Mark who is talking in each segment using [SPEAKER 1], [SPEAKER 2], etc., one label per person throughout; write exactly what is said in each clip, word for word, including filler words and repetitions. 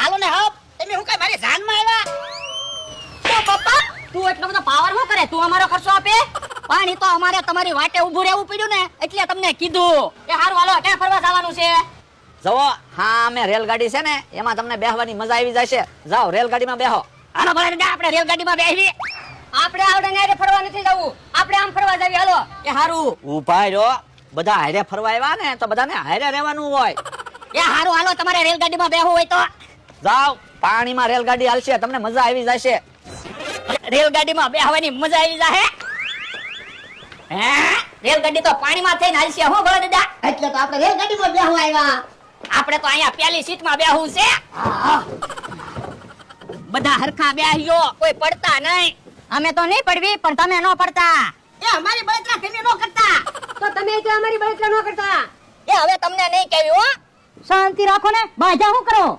[SPEAKER 1] હાલો ને હપ તમે હું કઈ મારી જાનમાં આવ્યા
[SPEAKER 2] તો પપ્પા તું એટલો બધો પાવર શું કરે તું અમારો ખર્ચો આપે પાણી તો અમારે તમારી વાટે ઊભું રહેવું પડ્યું ને એટલે તમને કીધું કે હારું હાલો ક્યાં ફરવા જવાનું છે
[SPEAKER 3] જવો હા અમે રેલગાડી છે ને એમાં તમને બેહવાની મજા આવી જશે જાઓ રેલગાડીમાં બેહો
[SPEAKER 2] હાલો ભલે દાદા આપણે રેલગાડીમાં બેસવી આપણે આવડે ને ફરવા નથી જવું આપણે આમ ફરવા જાવી હાલો એ હારું
[SPEAKER 3] ઊભા રહ્યો બધા હારે ફરવા આવ્યા ને તો બધાને હારે રહેવાનું હોય
[SPEAKER 2] એ હારું હાલો તમારે રેલગાડીમાં બેહવું હોય તો
[SPEAKER 3] જાઓ પાણીમાં રેલગાડી હાલશે તમને મજા આવી જશે
[SPEAKER 2] રેલગાડીમાં બેહવાની મજા આવી જાહે હે રેલગાડી તો પાણીમાં થઈને હાલશે હો ભલે દાદા
[SPEAKER 1] એટલે તો આપણે રેલગાડીમાં બેહવા આવ્યા
[SPEAKER 2] આપણે તો અહીંયા પહેલી સીટમાં બેહવું છે બધા હરખા બેહ્યો કોઈ પડતા નહીં અમે તો નહીં પડવી પણ તમે ન પડતા
[SPEAKER 1] એ અમારી બળતરા તમે નો કરતા
[SPEAKER 2] તો તમે તો અમારી બળતરા ન કરતા એ હવે તમને નહીં કહેવી હો શાંતિ રાખો ને બાજા શું કરો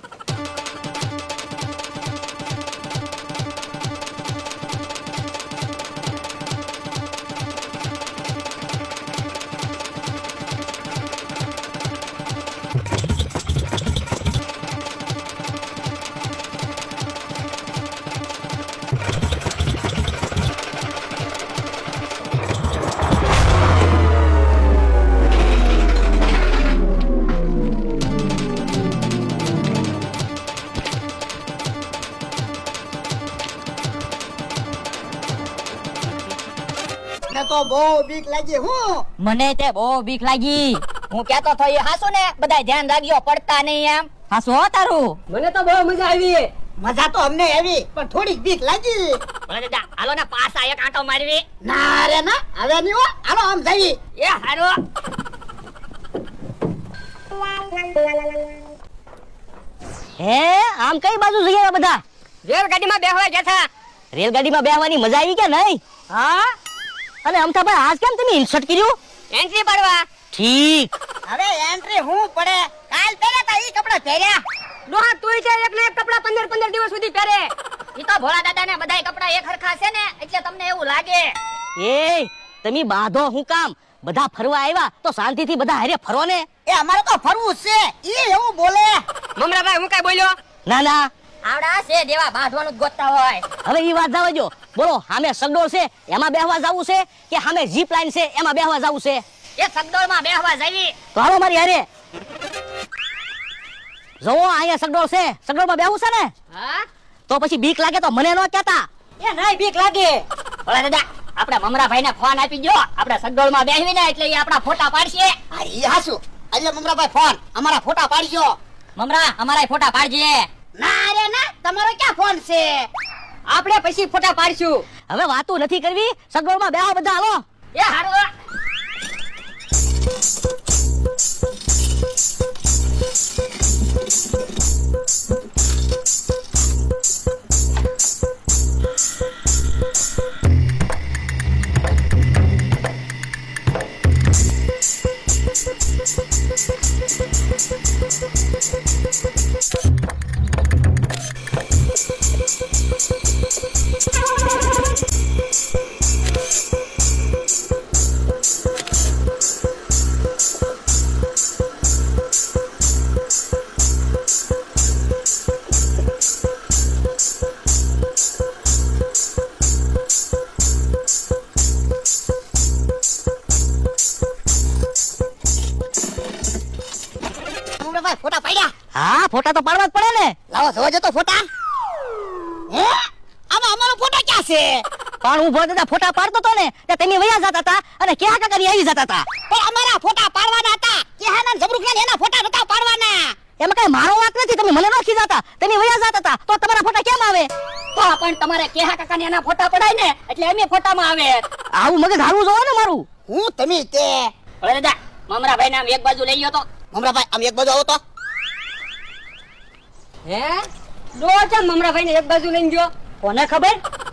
[SPEAKER 1] તો બહુ બીક લાગી હું
[SPEAKER 2] મને તે બહુ બીક લાગી હું કહેતો તો એ હાસુ ને બધાય ધ્યાન રાખજો પડતા નહીં એમ હાસુ હો તારું મને તો બહુ મજા આવી
[SPEAKER 1] મજા તો અમને આવી પણ થોડીક બીક લાગી
[SPEAKER 2] ભલે દાદા હાલો ને પાછા એક આંટો મારવી
[SPEAKER 1] ના રે ના હવે નહીં હો હાલો આમ જઈએ
[SPEAKER 2] એ હારો હે આમ કઈ બાજુ જઈએ બધા રેલગાડીમાં બેહવા ગયા હતા રેલગાડીમાં બેહવાની મજા આવી કે નહીં હા અને અમથાભાઈ આજ કેમ તમે ઇન્સર્ટ કર્યું એન્ટ્રી પાડવા ઠીક
[SPEAKER 1] હવે એન્ટ્રી હું પડે કાલ પહેર્યા તા ઈ કપડા પહેર્યા
[SPEAKER 2] ડોહા તુંય છે એક ને એક કપડા પંદર પંદર દિવસ સુધી પહેરે ઈ તો ભોળા દાદા ને બધાય કપડા એક હરખા છે ને એટલે તમને એવું લાગે એ તમે બાધો હું કામ બધા ફરવા આવ્યા તો શાંતિથી બધા હારે ફરો ને
[SPEAKER 1] એ અમારે તો ફરવું છે ઈ એવું બોલે
[SPEAKER 2] મમરાભાઈ હું કઈ બોલ્યો ના ના આવડા છે દેવા બાંધવાનું જ ગોતતા હોય હવે ઈ વાત જાવ જો બોલો સામે સગડોળ છે એમાં બેહવા જાવું છે કે સામે જીપ લાઈન છે એમાં બેહવા જાવું છે એ સગડોળ માં બેહવા જાવી તો હાલો મારી હારે જો અહીંયા સગડોળ છે સગડોળ માં બેહવું છે ને હા તો પછી બીક લાગે તો મને ન કહેતા એ નહીં બીક લાગે ઓલા દાદા આપણે મમરાભાઈ ને ફોન આપી દો આપણે સગડોળ માં બેહવી ને એટલે એ આપણા ફોટા પાડશે
[SPEAKER 1] આ ઈ હાસુ એટલે મમરાભાઈ ફોન અમારા ફોટા પાડજો
[SPEAKER 2] મમરા અમારા ફોટા પાડજે
[SPEAKER 1] ના રે ના તમારો ક્યાં ફોન છે
[SPEAKER 2] આપણે પછી ફોટા પાડશું હવે વાતો નથી કરવી સગવડમાં બેહો બધા હાલો એ હારું
[SPEAKER 1] મમરાભાઈ ફોટા પાડ્યા
[SPEAKER 2] હા ફોટા તો પાડવા જ પડે ને
[SPEAKER 1] લાવો જોજો તો ફોટા હે આમાં અમારો ફોટા ક્યાં છે
[SPEAKER 2] પણ હું ભોળા દાદા ફોટા પાડતો તો ને તે તમે વયા જતા હતા અને ક્યાં કાકાની આવી જતા હતા
[SPEAKER 1] પણ અમારા ફોટા પાડવાના હતા કેહાના જબરુખના એના ફોટા નતા પાડવાના
[SPEAKER 2] એમાં કઈ મારો વાંક નથી તમે મને નોખી જતા તમે વયા જતા હતા તો તમારા ફોટા કેમ આવે તો પણ તમારે કેહા કાકાની એના ફોટા પડાય ને એટલે અમે ફોટામાં આવે આવું મગજ હારું જોવો ને મારું
[SPEAKER 1] હું તમે તે
[SPEAKER 2] ભોળા દાદા મમરાભાઈ નામ એક બાજુ લઈ ગયો તો
[SPEAKER 1] મમરાભાઈ આમ એક બાજુ આવો તો
[SPEAKER 2] હે લો છે મમરાભાઈ ને એક બાજુ લઈ ગયો કોને ખબર